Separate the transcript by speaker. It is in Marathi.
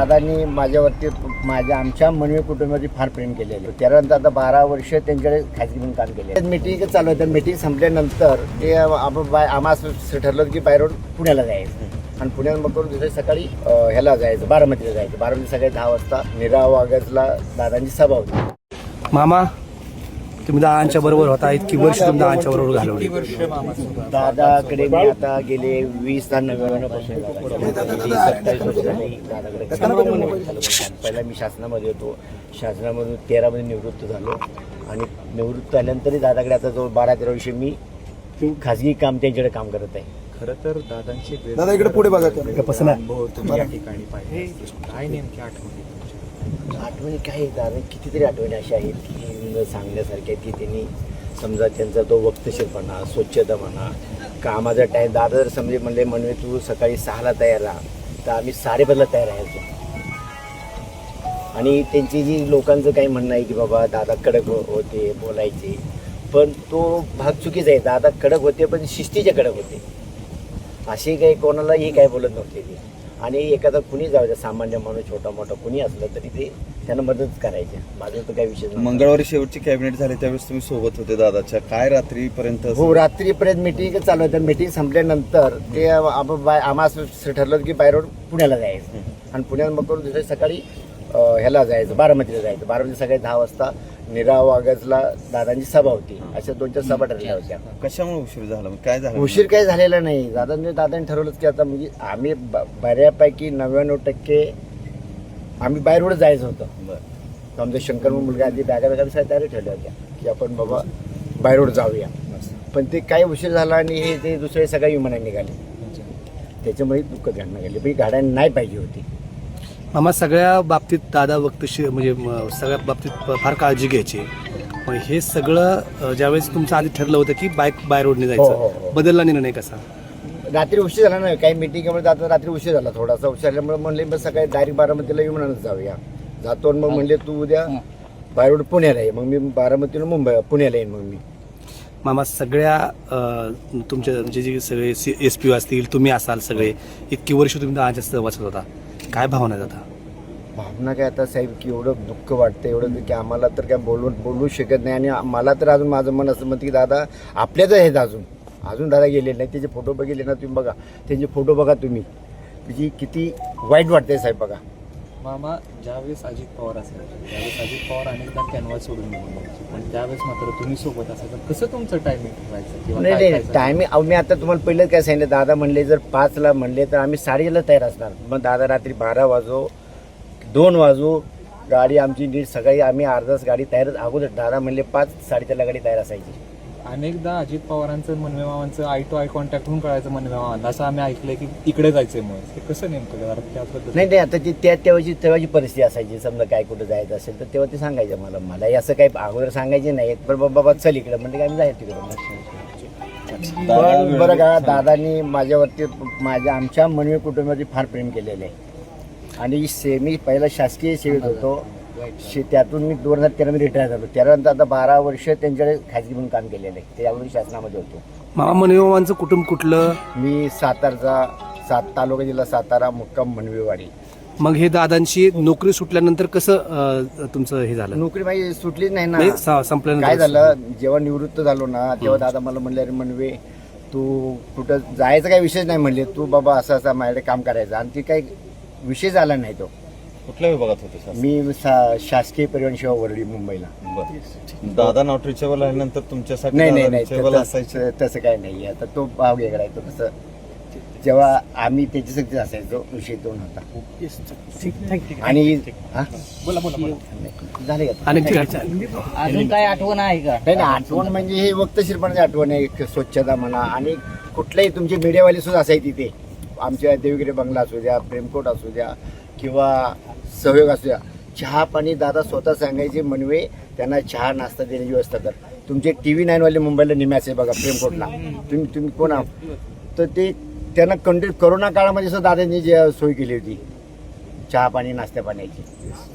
Speaker 1: दादांनी माझ्यावरती आमच्या मनवी कुटुंबावरती फार प्रेम केलेलं. त्यानंतर आता 12 वर्ष त्यांच्याकडे खाजगी म्हणून काम केले. मीटिंग चालू आहे. तर मीटिंग संपल्यानंतर ते आम्हाला ठरलं की बाहेरून पुण्याला जायचं आणि पुण्यात मग करून दुसऱ्या सकाळी ह्याला जायचं, बारामतीला जायचं. बारामती सकाळी 10 वाजता नीरा वागजला दादांची सभा होती.
Speaker 2: मामा, तुम्ही दादांच्या बरोबर होता, इतकी वर्ष तुम्ही दादांच्या बरोबर घालवली.
Speaker 1: दादाकडे मी आता गेले 20 ते 99 पासून 27 वर्ष झाली दादाकडे. पहिला मी शासनामध्ये होतो. शासनामधून 13 मध्ये निवृत्त झालो आणि निवृत्त झाल्यानंतरही दादाकडे आता जवळ 12-13 वर्ष मी खाजगी काम त्यांच्याकडे काम करत आहे.
Speaker 3: खरं तर दादांची
Speaker 4: दादा इकडे पुढे बघा.
Speaker 3: अनुभव तुम्ही या ठिकाणी पाहिले. काय नेमकी
Speaker 1: आठवणी काय दादा, कितीतरी आठवणी अशा आहेत की न सांगण्यासारख्या आहेत की त्यांनी समजा त्यांचा तो वक्तशीरपणा, स्वच्छता म्हणा, कामाचा टाईम. दादा जर समजे म्हणले म्हणवे तू सकाळी 6ला तयार राहा, तर आम्ही 5:30ला तयार राहायचो. आणि त्यांची जी लोकांचं काही म्हणणं आहे की बाबा दादा कडक होते, बोलायचे, पण तो भाग चुकीचा आहे. दादा कडक होते पण शिस्तीचे कडक होते. असे काही कोणालाही काय बोलत नव्हते ते. आणि एखादा कुणी जाऊ द्या, सामान्य माणूस छोटा मोठा कुणी असलं तरी ते त्यांना मदत करायचे. माझं तर काही विषय नाही.
Speaker 4: मंगळवारी शेवटची कॅबिनेट झाली त्यावेळेस तुम्ही सोबत होते दादाच्या. काय रात्रीपर्यंत?
Speaker 1: हो, रात्रीपर्यंत मीटिंग चालू आहे. तर मीटिंग संपल्यानंतर ते आम्हाला ठरलं की बाहेरून पुण्याला जायचं आणि पुण्यात मग करून दुसऱ्या सकाळी ह्याला जायचं, बारामतीला जायचं. बारामती सकाळी 10 वाजता नीरा वागजला दादांची सभा होती. अशा 2-4 सभा ठरल्या होत्या.
Speaker 4: कशामुळे उशीर झाला? काय झालं?
Speaker 1: उशीर काही झालेला नाही. दादांनी ठरवलंच की आता म्हणजे आम्ही बऱ्यापैकी 99% आम्ही बाहेरवर जायचं होतं.
Speaker 4: बरं.
Speaker 1: आमचा शंकर मुलगा आधी बॅगा तयारी ठेवल्या होत्या की आपण बाबा बाहेरवर जाऊया. पण ते काही उशीर झाला आणि हे ते दुसरे सगळ्या विमानाने निघाले. त्याच्यामुळे दुःखद घटना घडली. पण ही गाड्या नाही पाहिजे होती.
Speaker 2: मामा, सगळ्या बाबतीत दादा वक्तशीर म्हणजे सगळ्या बाबतीत फार काळजी घ्यायची. पण हे सगळं ज्यावेळेस तुमचं आधी ठरलं होतं की बाय रोडने
Speaker 1: हो, हो,
Speaker 2: जायचं,
Speaker 1: हो.
Speaker 2: बदलला निर्णय कसा?
Speaker 1: रात्री उशीर झाला नाही. काही मिटिंगमुळे जातो रात्री उशीर झाला. थोडासा उशीर झाल्यामुळे म्हणले बस सकाळी डायरेक्ट बारामतीला विमानानं जाऊया. जातो मग म्हणले तू उद्या बाहेर पुण्याला ये. मग मी बारामतीला पुण्याला येईन. मग मी
Speaker 2: मामा, सगळ्या तुमच्या म्हणजे जे सगळे SP असतील, तुम्ही असाल, सगळे इतकी वर्ष तुम्ही दादांच्या सहवासात होता, काय भावना जाता?
Speaker 1: भावना काय आता साहेब की एवढं दुःख वाटतं, एवढं की आम्हाला तर काय बोलू शकत नाही. आणि मला तर अजून माझं मन असं म्हणतं की दादा आपल्याच आहेत. अजून दादा गेलेले नाही. त्याचे फोटो बघितले ना तुम्ही, बघा त्यांचे फोटो बघा तुम्ही, त्याची किती वाईट वाटते साहेब. बघा
Speaker 3: मामा, ज्यावेळेस अजित पवार असेल त्यावेळेस अजित पवार अनेकदा कॅनव्हास सोडून निघून जायचे, पण त्यावेळेस मात्र तुम्ही सोबत असायचं. कसं तुमचं टायमिंग ठेवायचं किंवा
Speaker 1: नाही टायमिंग मी आता तुम्हाला पहिलं काय सांगितलं. दादा म्हणले जर 5ला म्हणले तर आम्ही 7:30ला तयार असणार. मग दादा रात्री 12 वाजो 2 वाजो गाडी आमची नीट सकाळी आम्ही अर्धाच गाडी तयार अगोदर. दादा म्हणले 5-4:30ला गाडी तयार असायची.
Speaker 3: अनेकदा अजित पवारांचं मनवे मामांचं आय टू आय कॉन्टॅक्ट होऊन कळायचं मनवे मामांना, असं आम्ही ऐकलंय की इकडे जायचंय. मग ते कसं नेमकं त्याबद्दल?
Speaker 1: नाही आता ती तेव्हाची परिस्थिती असायची. समजा काय कुठं जायचं असेल तर तेव्हा ते सांगायचं मलाही असं काही अगोदर सांगायचे नाही. पण बाबा चल इकडं म्हणजे आम्ही जायचं तिकडं. पण बरं का, दादांनी माझ्यावरती आमच्या मनवी कुटुंबावरती फार प्रेम केलेलं आहे. आणि मी पहिला शासकीय सेवेत होतो. त्यातून मी 2013 मध्ये रिटायर झालो. त्यानंतर आता 12 वर्ष त्यांच्याकडे खाजगी म्हणून काम केलेलं आहे. त्यावेळी शासनामध्ये होतो.
Speaker 2: मामा, मनवे मामांचं कुटुंब कुठलं?
Speaker 1: मी सातारचा तालुका जिल्हा सातारा, मुक्काम मनवेवाडी.
Speaker 2: मग हे दादांची नोकरी सुटल्यानंतर कसं तुमचं हे झालं?
Speaker 1: नोकरी माझी सुटलीच नाही ना.
Speaker 2: संपल्यानंतर
Speaker 1: काय झालं, जेव्हा निवृत्त झालो ना तेव्हा दादा मला म्हणले अरे म्हणवे तू कुठं जायचं काही विषय नाही म्हणले. तू बाबा असं माझ्याकडे काम करायचं. आणि ती काही विषय झाला नाही. तो
Speaker 4: कुठल्या विभागात होते सर?
Speaker 1: मी शासकीय परिवहन सेवा वरळी, मुंबईला.
Speaker 4: दादा नॉट रिचेबल आल्यानंतर तुमच्यासाठी
Speaker 1: नाही
Speaker 4: असायचं
Speaker 1: तसं काय नाही. आता तो भाव वेगळा आहे. तो कसं जेव्हा आम्ही त्याच्यासाठी असायचो विषय तो नव्हता. आणि झाले
Speaker 5: अजून काय आठवण आहे का?
Speaker 1: नाही आठवण म्हणजे हे वक्तशीरपणाची आठवण आहे. स्वच्छता म्हणा आणि कुठल्याही तुमचे मीडियावाले सुद्धा असायचे तिथे. आमच्या देवगिरी बंगला असू द्या, प्रेमकोट असू द्या किंवा सहयोग असू द्या, चहा पाणी दादा स्वतः सांगायचे मनवे त्यांना चहा नाश्ता देण्याची व्यवस्था कर. तुमचे TV9 वाले मुंबईला निम्याचे बघा प्रेमकोटला. तुम्ही कोण आहात तर ते त्यांना कंटिन्यू करोना काळामध्ये सुद्धा दादांनी जी सोय केली होती चहा पाणी नाश्त्या पाण्याची.